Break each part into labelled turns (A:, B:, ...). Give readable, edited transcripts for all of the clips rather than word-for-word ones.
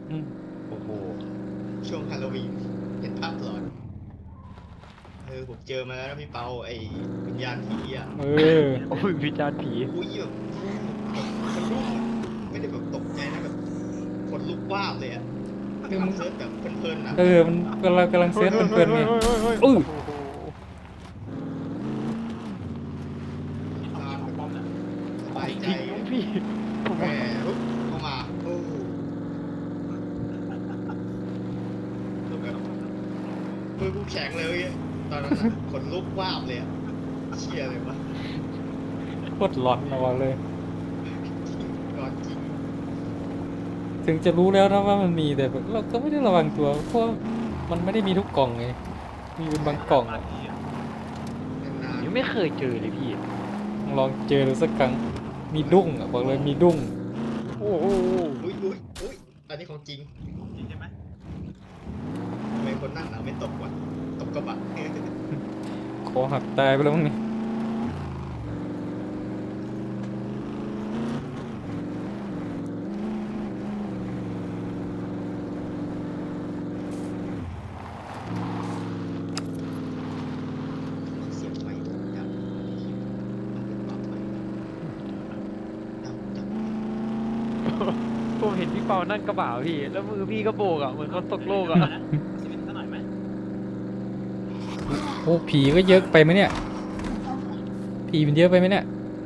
A: อืม
B: โอ้โห
C: ช่วงฮาโลวีนเห็นภาพหลอนผมเจอมาแล้วนะพี่เปาไอ้วิญญาณผีอ่ะ
A: เออ
B: โอ้ยวิจารณ์ผี
C: อุ้ยแบบแบบสะดุ้งอ่ะไม่ได้แบบตกใจนะแบบขนลุกวาบเลยอ่ะ
A: คือมัน
C: เซิร์ชแบบเพลินๆอ่ะ
A: มันกำลัง
B: เฮ้
A: เซิร์ช
B: ยเฮ้ยเฮ้
A: เพลินๆไง
B: ยเฮ้ยเฮ้ยเฮ้ย
A: อื้อ
B: โอ้โห
C: มีความแบบสบายใจ
B: จริงมั้งพี่ผม
C: แหม
B: ว่า
C: ปุ๊บเข้ามาโอ้แบบมือกูแข็งเลยเว้ยตอนนั้นอ่ะขนลุกวาบเลยอ่ะเชี่ยเลยวะ
A: โคตรหลอนนะบอกเลย
C: จริงก่อนจริง
A: ถึงจะรู้แล้วนะว่ามันมีแต่แบบเราก็ไม่ได้ระวังตัวเพราะมันไม่ได้มีทุกกล่องไงมีเป็นบางกล่องอะ
C: นาน
B: ผมยังไม่เคยเจอเลยพี่
A: ลองเจอดูสักครั้งมีดุ้งอ่ะบอกเลยมีดุ้ง
B: โอ้โห
C: ๆอุ้ยอันนี้ของจริงใช่ไหมทำไมคนนั่งหนาไม่ตกวะตกกระบะ
A: คอหักตายไปแล้วมั้งนี่
C: เสียงไฟดังมันเป็นปรับไฟดัง
B: ผมเห็นพี่เปานั่งกระบะพี่แล้วมือพี่ก็โบกอ่ะเหมือนคนตกโลกอ่ะ
A: โอ้ผีก็เยอะไปไหมเนี่ยผีมันเยอะไปไหมเนี่ย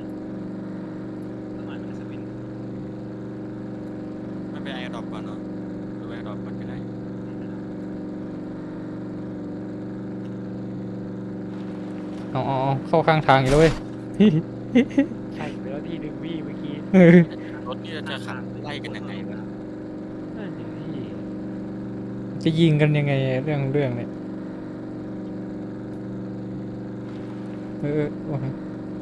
D: ไม่เป็นไอดรอปก่อนเนาะหรือไอดรอปก่อนก็ได้
A: เอาเข้าข้างทางอีกแล้วเว้ย
B: ใช่ไปแล้วทีหนึ่งพี่เมื่อกี้
A: เออ
D: รถนี่จะขับไล่กันยังไงวะ
B: นั่นสิพี่
A: จะยิงกันยังไงเรื่องเนี่ยโอ้ย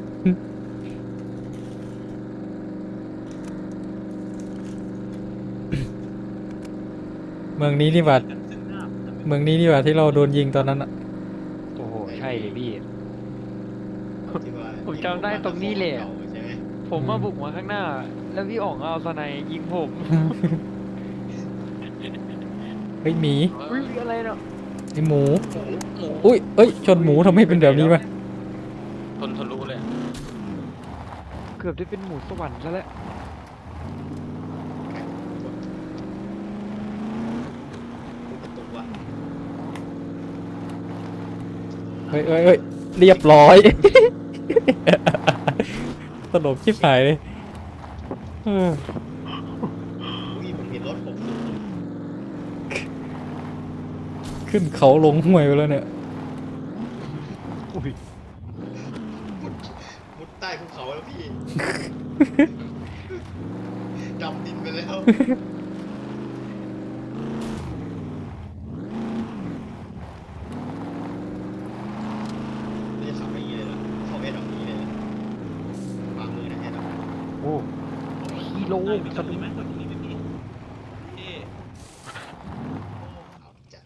A: เมืองนี้นี่หว่าเมืองนี้นี่หว่าที่เราโดนยิงตอนนั้นอะ
B: โอ้โห
C: ไอ้
B: ใช่เลยพี่
C: ที่ว่า
B: ผมจำได้ตรงนี้เลยอะ
C: เก่าใช่ไหม
B: ผมมาบุกมาข้างหน้า แล้วพี่อ๋องเอาสไนด์ยิงผม
A: เฮ้ยหมี
B: อุ้ยอะไรเนาะ
A: ไอหมู
D: หมู
A: อุ้ยเอ้ยชนหมูทำไมเป็นแบบนี้วะ
D: ทนรู้เลยอะ
B: เกือบได้เป็นหมูสวรรค์ซะแล้ว
C: ประตูว่ะ
A: เฮ้ยเรียบร้อยตลกชิบหายเลยเออ
C: อุ้ยผมเห็นรถผมสูง
A: ขึ้นเขาลงห้วยไปแล้วเนี่ย
B: อุ้ย
C: มุดใต้ภูเขาแล้วพี่ดำดินไปแล้วไม่ได้ขับไปอย่างนี้เลยเหรอเข้าแอร์ดอกนี้เลยเหรอวางมือนะแอร์ดอก
B: โอ้ฮีโร่สนุก
C: เอาจัด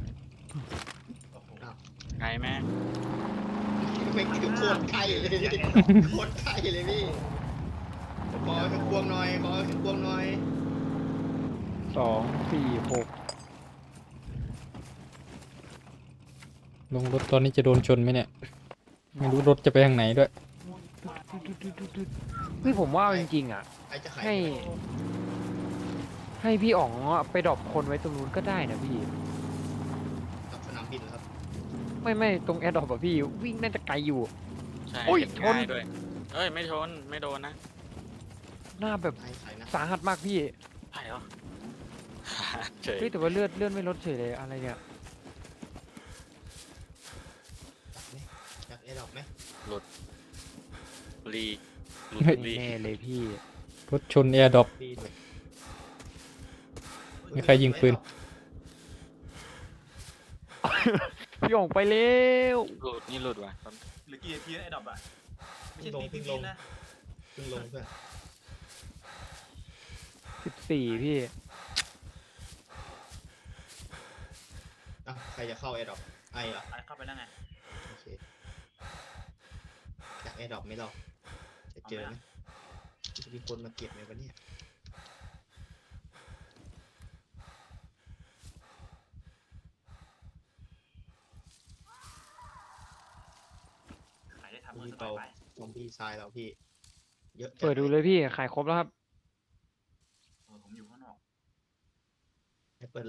C: เอา
D: ไกลไหม
C: ไม่คือโคตรไกลเลยโคตรไกลเลยพี่ขอขึ้นควงหน่อยขอขึ้นควงหน่อย
B: 2 4 6
A: ลงรถตอนนี้จะโดนชนไหมเนี่ยไม่รู้รถจะไปทางไหนด้วย
B: เฮ้ยผมว่าจริงๆอ่ะ
C: ไอ้จะขาย
B: ให้ ให้พี่อ๋องอะไปดรอปคนไว้ตรงนู้นก็ได้นะพี่
C: กับสนามบินเหรอครับ
B: ไม่ตรงแอร์ดรอปอะพี่วิ่งน่าจะไกลอยู่
D: ใช่
B: โอ้ย
D: เห็น
B: ชน
D: ง่ายด้วยเอ้ยไม่ชนไม่โดนนะ
B: หน้าแบบ
C: ไอ้ขายนะ
B: สาหัสมากพี่
D: ใช่เหรอ เฉย
B: เฮ้ยแต่ว่าเลือดไม่ลดเฉยเลยอะไรเนี่ย
C: อยากแอร์ดรอปไหม
D: รีหลุด
A: เฮ้ย
D: รี
B: แน่เลยพี่
A: รถชนแอร์ดรอป
C: ดีด้วย
A: มีใครยิงปืน
B: พี่อ๋องไปเร็ว
D: หลุดนี่หลุดว่ะ
E: หรือกี่นาทีนะไอ้ดอกอ่ะไม่
C: เพิ่
E: ใช่
C: งลง
E: ปี
C: เพิ่งลง
E: นะ
C: เพิ่งลงเพื่อน
B: 14พี่
C: ใครจะเข้าแอร์ดรอปไอ้เหรอ
E: ไปเข้าไปแล้วไง
C: โอเคอยากแอร์ดรอปไหมเราจะเจอไหมจะมีคนมาเก็บไหมวันนี้เปาซอมบี้ทรายเราพี่เยอะจั
B: เปิดดูเลยพี่ขายครบแล้วครับ
E: ผมอยู่ข้างนอก
C: ให้เปิดเลย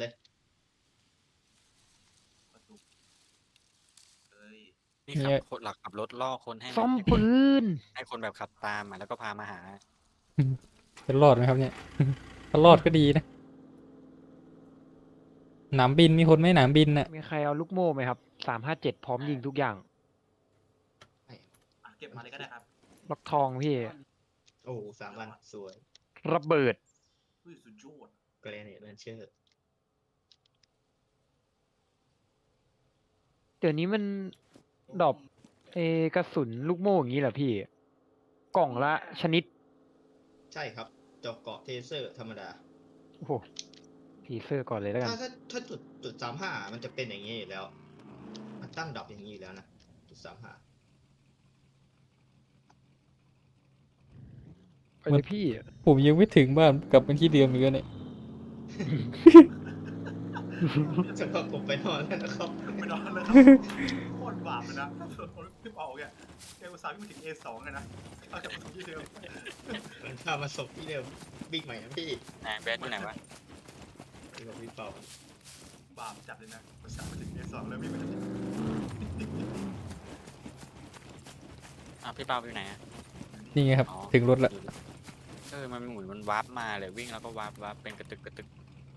E: ประตูเอ้ย
D: นี่ขับคนหลักขับรถล่อคนให้
B: ซ่อมปืน
D: ให้คนแบบขับตามอ่ะแล้วก็พามาหา
A: จะรอดไหมครับเนี่ย ถ้ารอดก็ดีนะหนามบินมีคนไหมหนามบินน่ะ
B: มีใครเอาลูกโม่ไหมครับ357พร้อมยิงทุกอย่าง
E: เก็บมาเลยก็ได้ครับ
B: ล็อกทองพี่
C: โอ้3 วันสวย
B: ระเบิด
E: สุดยอด
C: แกรเนตเลนเชอร์
B: เดี๋ยวนี้มันดรอปกระสุนลูกโม่อย่างนี้เหรอพี่ กล่องละชนิด
C: ใช่ครับเจาะเกาะเทเซอร์ธรรมดา
B: โอ้โหทีเซอร์ก่อนเลยแล้วกัน
C: ถ้าจุด35มันจะเป็นอย่างนี้อยู่แล้ว มันตั้งดรอปอย่างนี้อยู่แล้วนะจุด35
B: ไปเลยพี่
A: ผมยังไม่ถึงบ้านกลับมาที่เดิมอีกแล้วเนี่ย
C: สำหรับผมไปนอนแล้วนะครับ
E: ไม่นอนเลยโคตรบาปเลยนะพี่เปาเนี่ยแกอุตส่าห์วิ่งมาถึง A2 เลยนะเอาจากประตูที่เดิม
C: มันพามาศพที่เดิมบิ๊กใหม่นะพี่
D: ไหนแบดอยู่ไหนวะ
C: ที่บอกพี่เปา
E: บาปจัดเลยนะอุตส่าห์มาถึง A2 แล้ววิ่งมาถึง
D: อ้าวพี่เปาอยู่ไหนอ่ะ
A: นี่ไงครับ
D: อ๋อ
A: ถึงรถละ
D: มันหมุนมันวาร์ปมาเลยวิ่งแล้วก็วาร์ปเป็นกระตึกกระตึก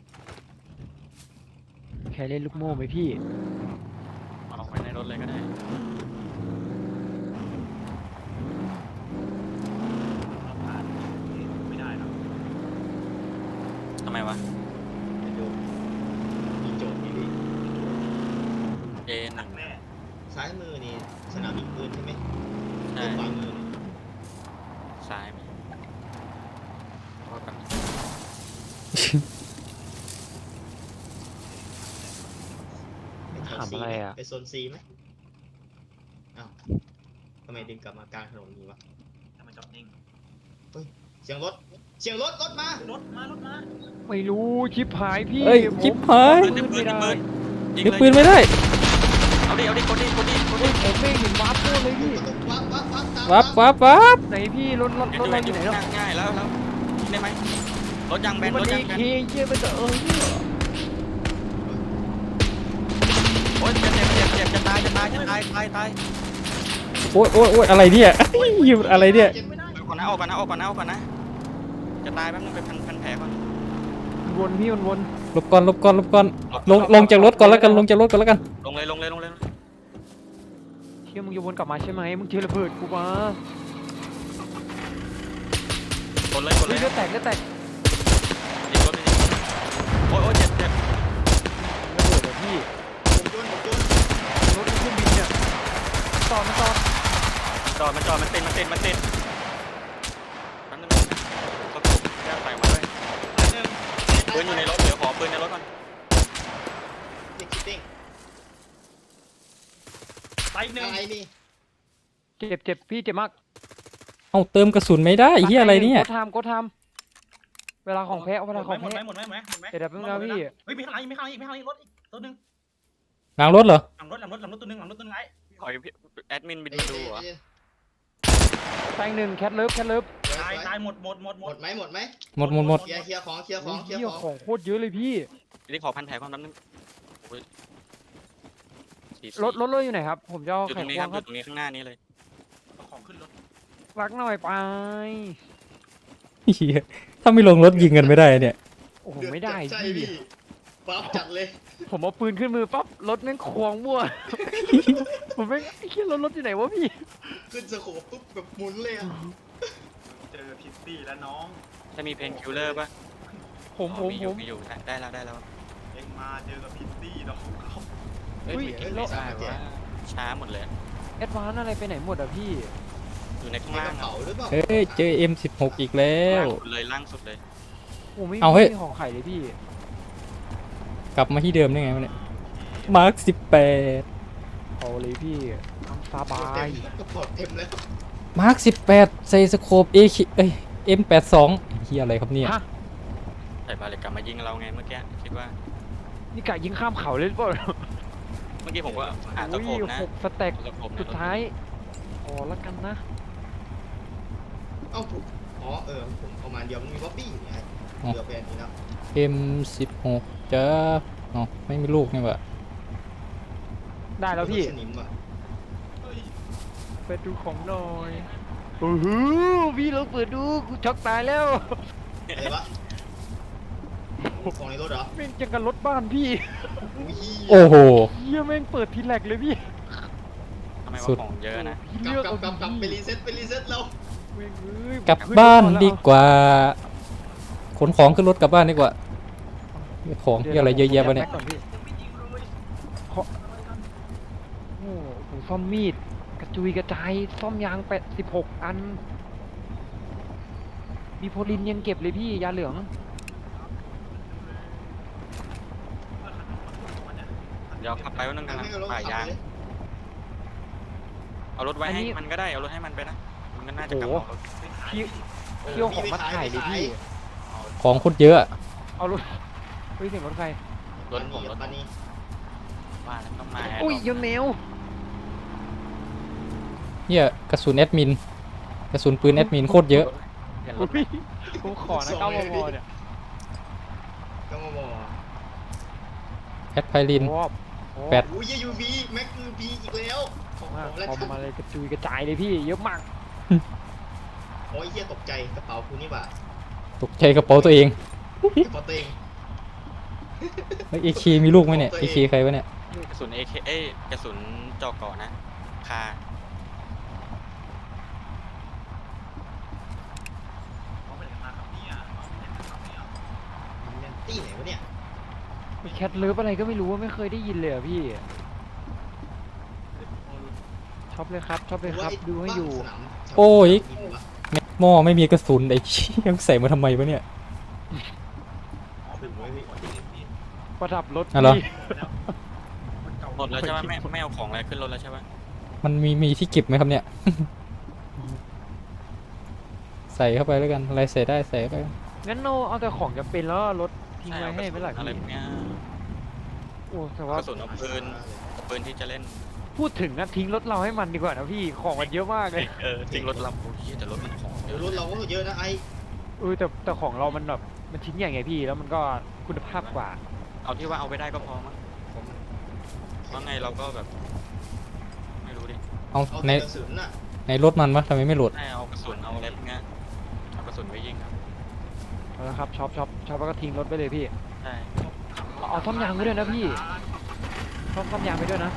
B: แค่เล่นลูกโม่ไหมพี่
D: เอาไว้ในรถเลยก็ได้
E: เราผ่านไม่ได้หรอก
D: ทำไมวะ
C: ไปดูมีโจทย์นี่พี่
D: A1
E: หนักแน่
C: ซ้ายมือนี่สนามยิงปืนใช่ไหม
D: ใช่
C: ขวามือนี่
D: ซ้ายมีว่ากัน
C: ไปแถว
B: ถาม
C: C
B: อะไร
C: ไหม
B: อะ
C: ไปโซน C ไหมอ้าวทำไมดึงกลับมากลางถนนนี้วะ
E: ทำไมจอดนิ่ง
C: เสียงรถรถมา
E: รถมา
B: ไม่รู้ชิปหายพี่
A: เอ้ย
B: ผม
A: จิ๊บหาย
B: ปืนไม่ได้
D: ยิง
A: เก็บ
D: เลย
A: ปืนไม่ได้
D: เอาดิกดดิ
B: ผมไม่เห็นวาร์ปโม่เลยพี่
C: วับตาม
A: วับ
B: ไหนพี่รถเราอยู่ไหนเนาะ
D: ง่ายแล้วยิงได้ไหมรถยางแบน
B: มัน
D: รถ
B: เอย
D: างแบน
B: เคเยี่ยมันจะ
D: โอ๊ยจะตาย
A: โอ้ยอะไรเนี่ยอยู่อะไรเนี่ย
C: เก็บไม่ได้
D: ก่อนนะออกก่อนนะจะตายแป๊บนึงไปพันแผลก่อน
B: วนพี่มันวน
A: หลบก่อนลงจากรถก่อนแล้วกันลงจากรถก่อนแล้วกัน
D: ลงเลย
B: เที่ยมึงจะวนกลับมาใช่ไหมมึงเจอระเบิดกูมา
D: กดเลย
B: เลือดแตก
D: ยิงรถเลยโอ๊ยเจ็บ
B: ระเบิดเหรอพี่
C: ผมโยน
B: รถเครื่องบินเนี่ยจอด
D: จอดมันติดแป๊บนึงก็ถูกแก้ใส่มาด้วยปืนอยู่ในรถเดี๋ยวขอปืนในรถก่อน
C: ติ๊กติ๊ก
E: ไปหนึ่ง
C: อะไรนี่
B: เจ็บพี่เจ็บมาก
A: เอาเติมกระสุนไม่ได้เฮียอะไรเนี่ย
B: ก็ทำเวลาของแพ้เวลาของ
E: หมด
B: แพ้
E: ไหม
B: เดี๋ยวแป๊บนึงนะพี่
E: เฮ้ยมีข้างในรถอีกตัวนึง
A: หลังรถเหรอ
E: หลังรถตัวนึงไอ้
D: ขอแอดมินบินดูเหรอ
B: แตงหนึ่งแคทเลิฟ
E: ตายหมด
C: หมดไหม
A: หมด
C: เคลียร์ของเคลียร์ของ
B: เหี้ยของโคตรเยอะเลยพี่
D: นี่ขอพันแผลก่อนแป๊บนึง
B: รถเลยอยู่ไหนครับ ผมจะเอา
D: อยู่
B: ไข่
D: ตรงนี้
B: คว
D: ครั
B: ง
D: บ
B: ค
D: อ
B: รับ
D: ยู่ตรงนี้ข้างหน้านี้เลย
E: ของขึ้นรถ
B: รักหน่อยไป
A: เฮียถ้าไม่ลงรถยิงกันไม่ได้เนี่ย
B: โอ้โหไม่ได้
C: ใช่
B: พี่
C: พี่ปั๊บจัดเลย
B: ผมเอาปืนขึ้นมือปั๊บรถแม่งควงมั่ว ผมไม่ไอ้เหี้ยรถอยู่ไหนวะพี่
C: ขึ้นสโคปปุ๊บแบบหมุนเลยอะ
E: เจอพิตตี้แล้วน้อง
D: จะมีเพนคิลเลอร์ป่ะ
B: ผม
D: มีอยู่ได้แล้ว
E: เอ็งมาเจอกับพิตตี้น้องเขา
D: เฮ้ยไม่ใช่ว่าช้าหมดเลย
B: แอดวานอะไรไปไหนหมดอ่ะพี่
D: อยู่ในข้าง
C: ในก
D: ล่าง
C: ระเป๋าหรือเปล่า
A: เฮ้ยเจอ M16 อีกแล้ว
D: ล่างสุดเลย
B: โอ้ไม่
A: เอาเฮ้ย
B: มีของไข่เลยพี่
A: กลับมาที่เดิมได้ไงวะเนี่ยมาร์ค18
B: เอาเลยพี่ทำสบาย
C: กระเป๋าเต็มแล้ว
A: มาร์ค18ใส่สโคป M82 เฮียอะไรครับเนี่ย
B: ฮะ
D: ใส่บาเลกกลับมายิงเราไงเมื่อกี้คิดว่า
B: นี่กะยิงข้ามเขาเลยหรือเปล่า
D: เมื่อกี้ผมก็หาตะโขบนะ
B: 6 สเต็ก
D: ตะโขบ
B: สุดท้าย
D: โ
B: อละกันนะ
C: เอ้าผมอ๋อผมเอามาเดียวมันมีบ๊อบบี้อยู่ไงเดี๋ยวเป็นนี้แล้ว
A: M16 จ้าอ๋อไม่มีลูกนี่หว่า
B: ได้แล้วพี่
C: สนิมอ่ะ
E: เฮ้ย
B: เปิดดูของหน่อยโอ้โหพี่เราเปิดดูกูช็อกตายแล้ว
C: อะไรวะของในรถเหรอ
B: แม่งจังกันรถบ้านพี่
C: อุ้ย
A: โอ้โห
B: เฮียแม่งเปิดทีแรกเลยพี่
D: ทำไม
A: สุ
D: ว่า
A: ด
D: ของเยอะนะ
B: พี่
C: กลั
B: เลือก
C: บ
B: เอา
C: กลับไป
B: ดี
C: รีเซ็ตเรา
B: ๆแม่งเอ้ย
A: กลับบ้านดีกว่า ขนของขึ้นรถกลับบ้านดีกว่าของที่อะไรเยอะแยะวะเนี่ย
B: ดี๋วก่อนพี่
E: ยังไม่ยิงเลย
B: โอ้โหซ่อมมีดกระจุยกระจายซ่อมยาง16 อัน มีโพลินยังเก็บเลยพี่ยาเหลือง
D: เดี๋ยวขับไปวันนึงกันนะ
C: ให้เรา
D: ป่ายยาง
C: ขับเลย
D: เอารถไว้ให้
B: อันนี้
D: มันก็ได้ เอารถให้มันไปนะ มันก็น่าจะกลับ
B: โอ้
D: มา
B: โห
D: เอารถ
B: พี่เที่ยวของมาถ่ายเลยพี่
A: ของโคตรเยอะอะ
B: เอารถเฮ้ยเสียงรถใคร
D: รถผมรถ
C: ปานี
D: ว่าแล้วต้องมา
B: อุ้ยยนแมว
A: เนี่ยกระสุนแอดมินกระสุนปืนแอดมินโคตรเยอะ
D: เห็นร
B: อุ้
D: ถ
B: ยผมขอนะ9 มมเนี่ย
C: ก็มาบอก
A: แอดไพลิน
B: โอ้โห
A: แปด
C: อุ้ยยูบีแม็กยูบีอีกแล้วของ
B: มาก
C: แล้ว
B: คอมมาเลยกระจุยกระจายเลยพี่เยอะมาก
C: โอ้ยเฮียตกใจกระเป๋าคุณนี่บ่า
A: ตกใจกระเป๋าตัวเอง
C: กระเป๋าตัวเอง
A: เอเคมีลูกไหมเนี่ยเอเคใครวะเนี่ย
D: กระสุน AK เอ้ยกระสุนจอกก่อนะ คา
E: เขาไปไหนมาครับเนี่ยเขาไปไหนมาครับเนี่ย
C: แมนตี้ไหนวะเนี่ย
B: แคทเลิฟอะไรก็ไม่รู้ว่าไม่เคยได้ยินเลยอะพี่ช็อปเลยครับช็อปเลยครับดูให้อยู่
A: โอ้ย แม็กหม้อไม่มีกระสุนไอ้เชี่ยใส่มาทำไมวะเนี่ย
E: อ๋อเป็นหัวที่พี่
B: ประดับรถ
A: อ่ะเหรอ
B: พี่
E: แล้วมันเก่า
D: หมดแล้วใช่ไหมไม่เอาของอะไรขึ้นรถแล้วใช่ไหม
A: มันมีที่เก็บไหมครับเนี่ย ใส่เข้าไปแล้วกันอะไรใส่ได้ใส่เข้าไป
B: งั้นเราเอาแต่ของจะเป็นแล้วรถทิ้ง
D: ใช่
B: ไว้
D: เอาก
B: ให้
D: ระ
B: ไหม
D: สุน
B: ล่ะ
D: อะไร
B: พี่
D: พวกเนี้ย
B: โอ้แต่
D: ก
B: ว่า
D: ระสุนเอาปืนที่จะเล่น
B: พูดถึงนะทิ้งรถเราให้มันดีกว่านะพี่ของมันเยอะมากเลย
D: ทิ้งรถเราโอ้ยแต่รถมันของเย
C: เดี๋ยว
D: อะ
C: รถเราก็เยอะนะไอ้
B: แต่ของเรามันแบบมันชิ้นใหญ่ไงพี่แล้วมันก็คุณภาพกว่า
D: เอาที่ว่าเอาไปได้ก็พอมั้ง
C: ผม
D: เพราะไงเราก็แบบ ไม่รู้ดิ
A: เอา
C: เอา
A: ใน
C: แต่กระสุนน่ะ
A: ในรถมันวะทำไมไม่โหลด
D: ให้เอากระสุนเอาอะไรพวกเนี้ยเอากระสุนไปยิงครับ
B: เอาละครับช็อปแล้วก็ทิ้งรถไปเลยพี่
D: ใช่
B: เอาซ่อมยางไปด้วยนะพี่ซ่อมยางไปด้วยนะ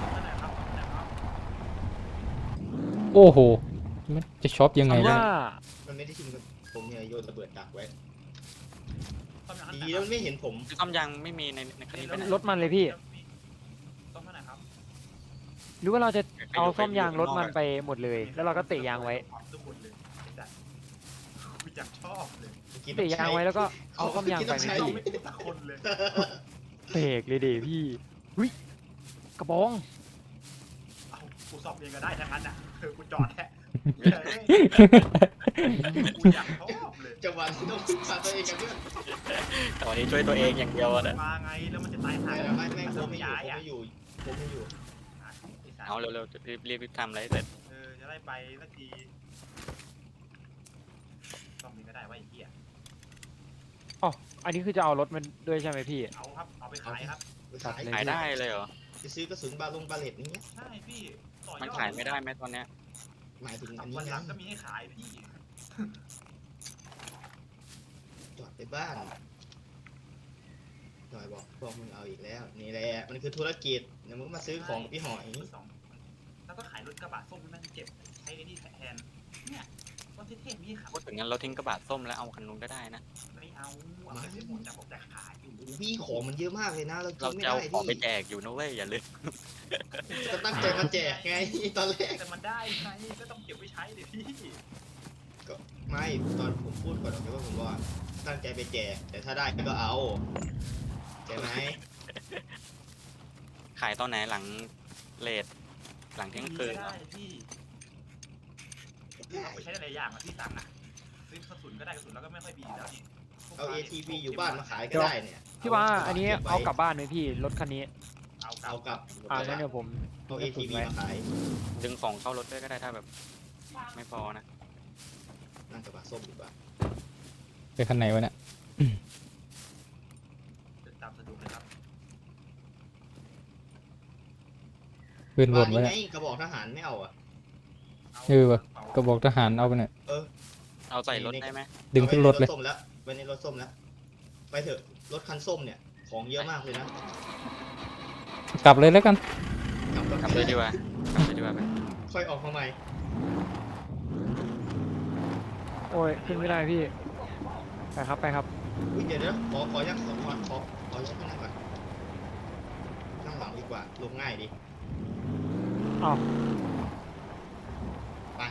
A: โอ้โหมันจะช็อปยังไง
B: หรือ
A: เนี่ย
B: ว่า
C: มันไม่ได้ทิ้งผมเนี่ยโยนระเบิดดักไว้
E: ต้มยำ
C: ดีแล้วมันไม่เห็นผม
D: คือซ่อมยางไม่มีในคันนี้ไปไหน
B: รถมันเลยพี่
E: ต้มเท่าไหร่ครับ
B: หรือว่าเราจะเอาซ่อมยางรถมันไปหมดเลย แล้วเราก็เตะยางไว้
E: ทุกคนเลยจัดกูอยากชอบเลย
B: เตะยางไว้แล้วก็เอาซ่อมยางไปไหม
C: ใช้
B: พี่
E: ไม่ติดตะคนเลย
B: เบรกเลยเดพี่หุ้ยกระบอง
E: เอากูสอบเองก็ได้ทั้งนั้นอ่ะกูจอดแท้กูอยากชอบเลย
C: จังหวะที่ต้องพาตัวเองกันด้วย
D: แต่วันนี้ช่วยตัวเองอย่างเดียวอะนะ
E: มาไงแล้วมันจะตายหา
C: หาย
E: ย
C: แล้วไอ้แม่งผมไม่อยู่
E: ย้าย
C: ผม
E: อ่ะ
C: ไม่อยู่ผมไม่อยู่
D: เอาเร็วๆรีบทำอะไรให้เสร็จ
E: จะได้ไปสักทีซ่อมนี้ก็ได้ว่าไอ้เหี้ย
B: อ๋ออันนี้คือจะเอารถมันด้วยใช่ไหมพี่
E: เอาครับเอาไปขายครับ
C: ขาย
D: ขายได้เลยเหรอ
C: จะซื้อกระสุนบาเลตนี้
E: ใช่พี่ต่อยอด
D: มันขายไม่ได้ไหมตอนเนี้ย
C: หมายถึงอันนี้
E: วันหลั
C: นะ
E: งก็มีให้ขายพี่
C: จอดไปบ้านหน่อยบอกมึงเอาอีกแล้ว นี่แหละมันคือธุรกิจเดี๋ยวมึงมาซื้อของพี่หอย
E: สองแล้วก็ขายรถกระบะส้มนั่นเก็บใช้ไอ้นี่แทนเนี่ยรถเท่ๆมีขับ
D: พูดถึงงั้นเราทิ้งกระบะส้มแล้วเอาคันนู้นก็ได้นะ
E: ไม่เอาเอาไปหมดแต่ผมจะขายอยู่
C: พี่ของมันเยอะมากเลยนะ เรากิ
D: เรา
C: นไม่
D: จะเอา
C: ได้
D: ของไป
C: พี่
D: แจกอยู่นะเว้ยอย่าลืม
C: ก็ตั้งใจมาแจกไงตอนแรก
E: แต่มันได้ไงก็ต้องเก็บไว้ใช้เลยพี่
C: ก็ไม่ตอนผมพูดก่อนนะว่าผมว่าตั้งใจไปแจก แต่ถ้าได้ก็เอาใช่ไหม
D: ขายตอนไหนหลังเลทหลังเที่ยงคืนเหร
E: ได้
D: อ
E: พี่เอาไปใช้หลายอย่างอะพี่ตังค์อะซื้อกระสุนก็ได้กระสุนแล้วก็ไม่ค่อยมีแล้วนี่
C: เอา ATV อยู่บ้านมาขายก็ได้เนี่ย
B: พี่ว่าอันนี้เอากลับบ้านไหมพี่รถคันนี้
E: เอา
C: เอากลับ
B: งั้นเดี๋ยวผม
C: เอา ATV มาขาย
D: ดึงของเข้ารถด้วยก็ได้ถ้าแบบไม่พอนะ
C: นั่งกระบะส้มดีกว่า
A: ไปคันไหนวะเนี่ย
E: เดินตามสะดวกเลยครับ
A: ปืนหล่นไว้
C: ไง
A: เนี่ย
C: กระบอกทหารไม่เอาอ่ะ
A: เออวะกระบอกทหารเอาไปเนี่ย
D: เอาใส่รถได้ไหม
A: ดึงขึ้นรถเลย
C: อาไว้ในส้มแล้วไว้ในรถส้มแล้วไปเถอะรถคันส้มเนี่ยของเยอะมากเลยนะ
A: กลับเลยแล้วกัน
D: กลับเลยดีกว่า กลับเลยดีกว่าไป
C: ค่อยออกมาใหม่
B: โอ้ยขึ้นไม่ได้พี่ ไปครับไปครับ
C: อุ๊ยเดี๋ยวขอยักขอยักนั่งก่อนนั่งหลังดีกว่าลงง่ายดี
B: อ้าว
C: ไป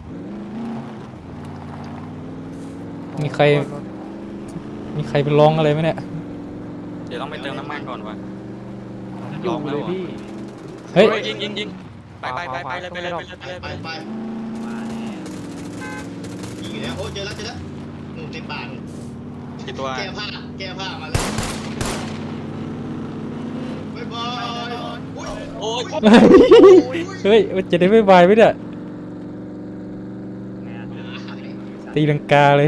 A: มีใครไปร้องอะไรไหมเนี่ย
D: เดี๋ยวต้องไปเติมน้ำมันก่อนวะ
B: อยู่เลยพี่
A: เฮ้ย
D: ยิงไปเลยไปเลยไปเลย
C: ไป
D: ไปเลย
C: ไป
E: มาแล้ว
C: ยิงอยู่แล้วโอ้เจอแล้วหนุ่มในป่าหนุ่ม
D: กี่ตัว
C: แก้ผ้ามาแล้วบ๊ายบายอุ๊ย
D: โอ้ย
A: เฮ้ยมันจะได้ไม่บายไหมเนี่ย
E: ไงอ่ะ
A: ตีลังกาเลย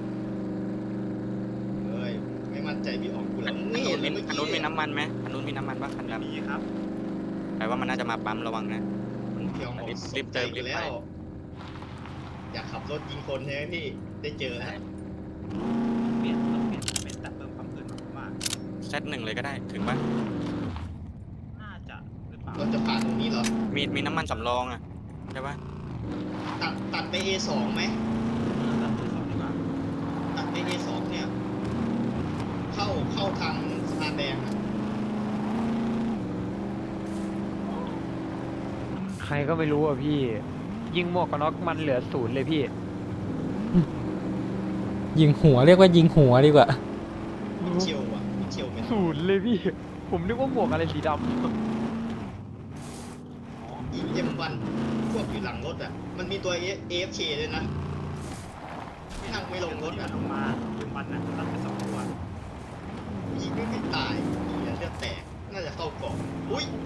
C: เฮ้ยไม่มั่นใจพี่ออกกูแล้วไม่
D: อั
C: เห็น
D: น
C: เลยเมื่อ
D: นู้นมี
C: กี้
D: น้ำมันไหมอันนู้นมีน้ำมันปะคันด
E: มีครับ
D: ำแปลว่ามันน่าจะมาปั๊มระวังนะ
C: พี่ออก
D: รีบเติมรีบไป
C: แล้วอยากขับรถยิงคนใช่ไหมพี่ได้เจอแล้ว
E: เปลี่ยนเป็นแต่เพิ่มความเกินมาก
D: เซตหนึ่งเลยก็ได้ถึงปะ
E: ๆน่าจะหรือเปล่า
C: เราจะผ่านตรงนี้เหรอ
D: มีน้ำมันสำรองอ่ะใช่ปะ
C: ตัดไป A2 ไหม
E: ตัดตัวสองดีกว่า
C: ตัดไป A2 เนี่ย เข้าทางสะพานแดงอะ
B: ใครก็ไม่รู้อ่ะพี่ ยิงหมวกกันน็อกมันเหลือ0เลยพี่
A: ยิงหัวเรียกว่ายิงหัวดีกว่า
C: มิเชลอะมิเชลเป็น
B: 0เลยพี่ ผมนึกว่าหมวกอะไรสีดำ
C: ยิงM1พวกอยู่หลังรถอ่ะ มันมีตัว AFK เลยนะนั่งไม่ลงรถอ่ะ
E: ลงมาเป็นมันนะตัดไป2 ตัว
C: ยิงไม่ตายยิงแล้วเลือดแตก น่าจะเข้ากล่องอุ้ย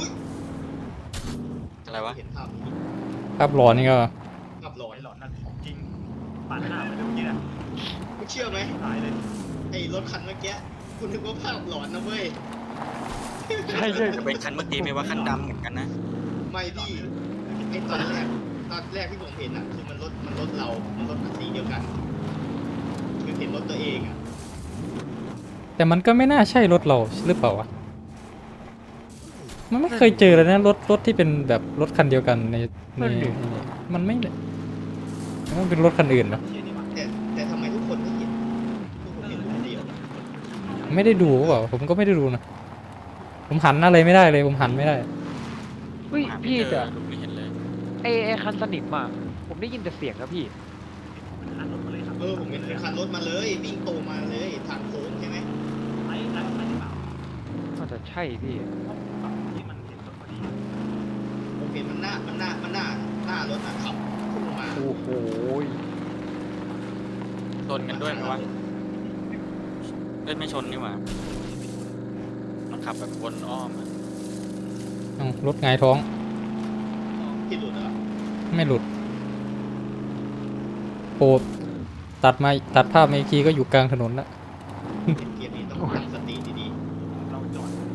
D: อะไรวะ
C: เห็นภาพนี้
A: ภาพหลอนนี่ก็
C: ภาพหลอ
E: ไอ้
C: น
E: หลอนนั่นของจริงปาดหน้าไปเมื่อกี้น่ะ
C: คุณเชื่อไหม
E: ตายเลย
C: ไอ้รถคันเมื่อกี้คุณนึกว่าภาพหลอนนะเว้ย
B: ใช่ใช่
D: จะเป็นคันเมื่อกี้ไหมว่าคันดำเหมือนกันนะ
C: ไม่พี่ไอ้ตอนแรกที่ผมเห็นอ่ะคือมันรถเรา มันรถสีเดียวกัน คือเห็นรถตัวเองอ่ะ
A: แต่มันก็ไม่น่าใช่รถเราหรือเปล่าวะ มันไม่เคยเจอเลยนะรถที่เป็นแบบรถคันเดียวกันในมันไม่มันเป็นรถคันอื่นเนอะ
E: เชี่ยนี่มา
C: แต่ทำไมทุกคนไม่เห็นทุกคนเห็นคนเดียว
A: ไม่ได้ดูหรือเปล่าผมก็ไม่ได้ดูนะ ผมหันอะไรไม่ได้เลย ผมหันไม่ได้
B: เฮ้ย
D: หาไม่
B: พี่
D: เจ
B: แต่
D: อลูกไม่เห็นเลย
B: ไอ้คันสนิมอ่ะผมได้ยินแต่เสียงครับพี่
E: เป็นคันรถมาเลยครับ
C: ผมเห็นคันรถมาเลยวิ่งโตมาเลยทางโค้งใช่ไหม
E: ไอ้หรือเปล่า
B: น่าจะใช่พี่
E: ฝั่งที่มันเห็นรถพอดี
C: ผมเห็นมันหน้ารถขับพุ่งมา
B: โอ้โห
D: ชนกันด้วยไหมวะเอ้ยไม่ชนนี่หว่า มันขับแบบวนอ้อมอะ
A: รถหงายท้อง
C: ที่หลุดเหรอ
A: ไม่หลุดโปรดตัดภาพมาอีกทีก็อยู่กลางถนนละ
C: เกมนี้ต้องตั้งสติดี
E: เราจอด